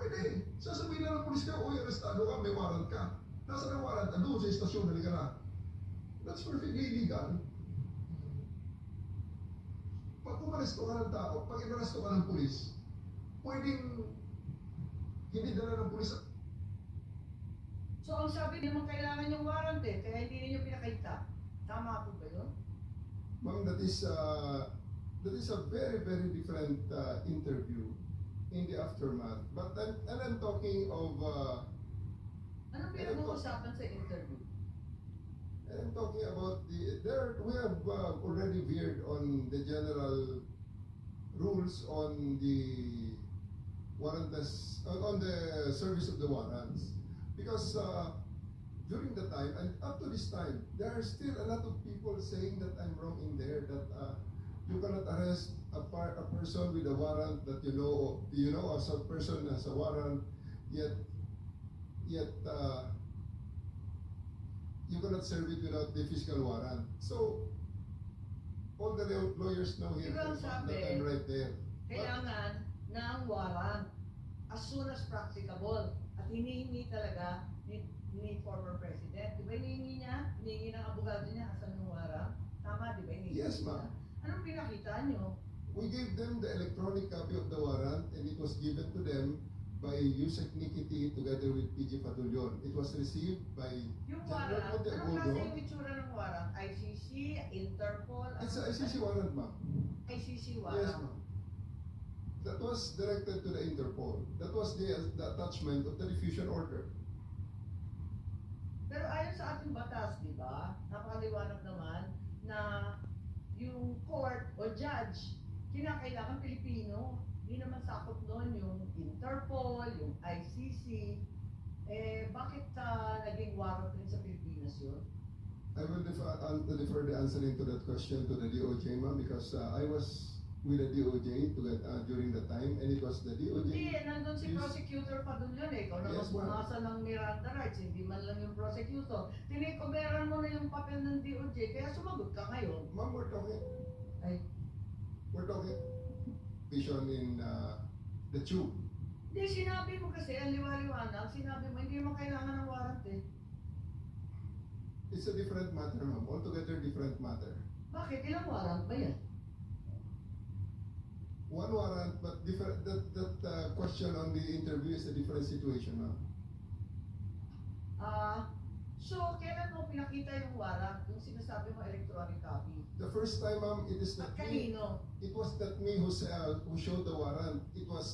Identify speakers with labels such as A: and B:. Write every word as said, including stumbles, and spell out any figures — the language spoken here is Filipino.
A: Pwede. Sasabihin na ng polis ka, uy, arestado ka, may warrant ka. Nasa ng warrant, doon sa istasyon, halika na. That's perfectly legal. Pag umaresto ka ng tao, pag inaresto ka ng polis, pwedeng hindi dala ng polis.
B: So, ang sabi, hindi naman kailangan yung warrant eh, kaya hindi ninyo pinakita. Tama po ba yun?
A: Ma'am, that is, uh, that is a very, very different uh, interview in the aftermath. But I'm, and I'm talking of, uh,
B: Anong pinag-uusapan sa interview?
A: and I'm talking about the, there, we have uh, already veered on the general rules on the warrantless, on, on the service of the warrants. Because uh, during the time, and up to this time, there are still a lot of people saying that I'm wrong in there, that uh, you cannot arrest a, par a person with a warrant that you know, you know, as a person has a warrant, yet, yet uh, you cannot serve it without the fiscal warrant. So, all the lawyers know here
B: Diba ang
A: that
B: sabi,
A: I'm right there.
B: kailangan ng warrant as soon as practicable. At hinihingi talaga ni, ni former president. Di ba hinihingi niya? Hinihingi ng abogado niya asan yung warrant? Tama, di ba hinihingi
A: Yes,
B: niya?
A: ma'am.
B: Anong pinakita niyo?
A: We gave them the electronic copy of the warrant, and it was given to them by Yusek Nikiti together with P G Patulion. It was received by
B: Yung
A: General
B: warrant,
A: Monte
B: anong klase
A: Agudo.
B: yung itsura ng warrant? I C C, Interpol?
A: It's a
B: ano-
A: I C C warrant, ma'am.
B: I C C
A: Yes,
B: warrant.
A: ma'am. That was directed to the Interpol. That was the, the attachment of the diffusion order.
B: Pero ayon sa ating batas, di ba, napakaliwanag naman na yung court o judge, kinakailangan Pilipino. Hindi naman sakop doon yung Interpol, yung I C C. Eh, bakit uh, naging warrant rin sa Pilipinas yun?
A: I will defer, uh, defer the answering to that question to the D O J, ma'am, because uh, I was with the D O J to get, uh, during the time, and it was the D O J.
B: Hindi, nandun si
A: Yes.
B: prosecutor pa doon yun eh. Ikaw naman
A: Yes, ma'am.
B: bumasa ng Miranda rights, hindi man lang yung prosecutor. Tinikoberan mo na yung papel ng D O J, kaya sumagot ka ngayon.
A: Ma'am, we're talking,
B: Ay,
A: we're talking vision in uh, the tube.
B: hindi, sinabi mo kasi, ang liwaliwanag, sinabi mo, hindi mo kailangan ng warrant eh.
A: It's a different matter, ma'am. Altogether different matter.
B: Bakit? Ilang warrant ba yan?
A: One warrant, but different. That that uh, question on the interview is a different situation, ma'am.
B: Ah, so, kailan mo pinakita yung warrant, yung sinasabi mo electronic copy?
A: The first time, ma'am, it is
B: At
A: not me.
B: kanino?
A: It was not me who uh, who showed the warrant. It was